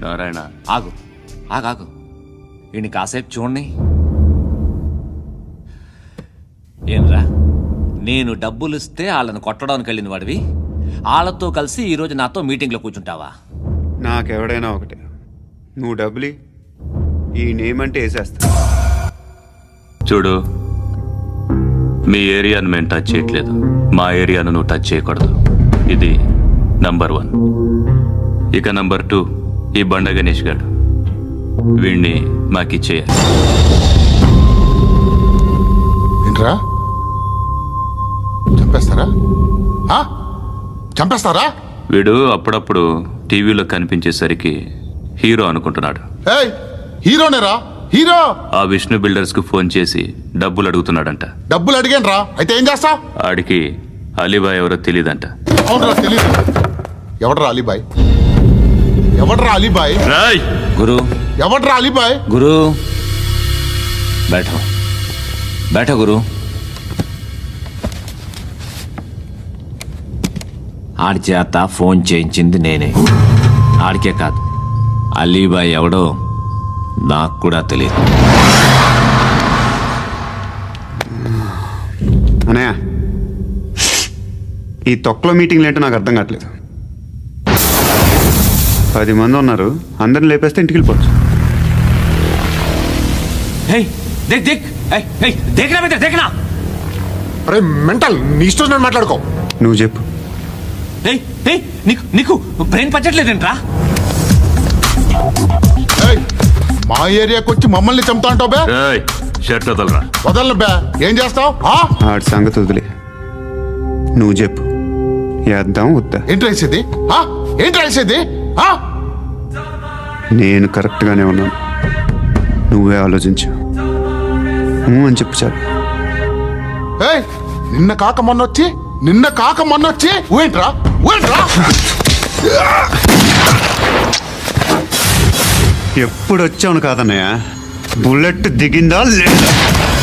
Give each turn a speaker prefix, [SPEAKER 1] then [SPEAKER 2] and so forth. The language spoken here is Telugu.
[SPEAKER 1] నారాయణ
[SPEAKER 2] ఆగు ఆగాగు ఈయన కాసేపు చూడండి. ఏంరా, నేను డబ్బులు ఇస్తే వాళ్ళని కొట్టడానికి వెళ్ళిన వాడివి, వాళ్ళతో కలిసి ఈరోజు నాతో మీటింగ్లో కూర్చుంటావా?
[SPEAKER 3] నాకెవడైనా ఒకటే, నువ్వు డబ్బులి ఈ నేమ్ అంటే వేసేస్తా.
[SPEAKER 1] చూడు, మీ ఏరియాను మేము టచ్ చేయట్లేదు, మా ఏరియాను నువ్వు టచ్ చేయకూడదు. ఇది నంబర్ 1. ఇక నంబర్ 2, ఈ బండ గణేష్ గారు, వీణ్ణి మాకిచ్చేయాలి.
[SPEAKER 4] ఏంట్రా, చంపేస్తారా? చంపేస్తారా?
[SPEAKER 1] వీడు అప్పుడప్పుడు టీవీలో కనిపించేసరికి హీరో అనుకుంటున్నాడు.
[SPEAKER 4] ఏయ్, హీరోనేరా, హీరో.
[SPEAKER 1] ఆ విష్ణు బిల్డర్స్ కు ఫోన్ చేసి డబ్బులు అడుగుతున్నాడంట.
[SPEAKER 4] డబ్బులు అడిగాను రా, అయితే ఏం చేస్తా?
[SPEAKER 1] ఆడికి అలీబాయ్ ఎవరో తెలియదంట.
[SPEAKER 4] అవునరా, తెలీదు. ఎవడ్రా అలీబాయ్? ఎవడ్రా అలీబాయ్?
[SPEAKER 1] రాయ్
[SPEAKER 2] గురు,
[SPEAKER 4] ఎవడ్రా అలీబాయ్?
[SPEAKER 2] గురు బైఠో బైఠో గురు. ఆడి చేత ఫోన్ చేయించింది నేనే. ఆడికే కాదు, అలీబాయ్ ఎవడో నాకు కూడా తెలియదు.
[SPEAKER 3] అనయ్య, ఈ తొక్కలో మీటింగ్లు ఏంటో నాకు అర్థం కావట్లేదు. 10 మంది ఉన్నారు, అందరిని లేపేస్తే ఇంటికి వెళ్ళిపోవచ్చు.
[SPEAKER 4] అరే మెంటల్, నీ ఇష్టం నేను మాట్లాడుకో.
[SPEAKER 3] నువ్వు చెప్పు.
[SPEAKER 2] నీకు బ్రెయిన్ పచ్చట్లేదేంట్రా?
[SPEAKER 4] ఏయ్, మా ఏరియాకి వచ్చి మమ్మల్ని చంపుతా అంటావు బే?
[SPEAKER 1] రాయ్ షర్ట్ వదలరా.
[SPEAKER 4] వదలను బే. ఏం చేస్తావు?
[SPEAKER 3] ఆడి సంగతి వదిలే, నువ్వు చెప్పు. వేద్దాం వద్దా?
[SPEAKER 4] ఏంటి రాసేది? ఏంటి రాసేది?
[SPEAKER 3] నేను కరెక్ట్గానే ఉన్నాను, నువ్వే ఆలోచించు. అని చెప్పు చాలు.
[SPEAKER 4] ఏయ్, నిన్న కాక మొన్నొచ్చి ఊయంట్రా.
[SPEAKER 3] ఎప్పుడు వచ్చావును కాదన్నయ్య, బుల్లెట్ దిగిందా లేదా?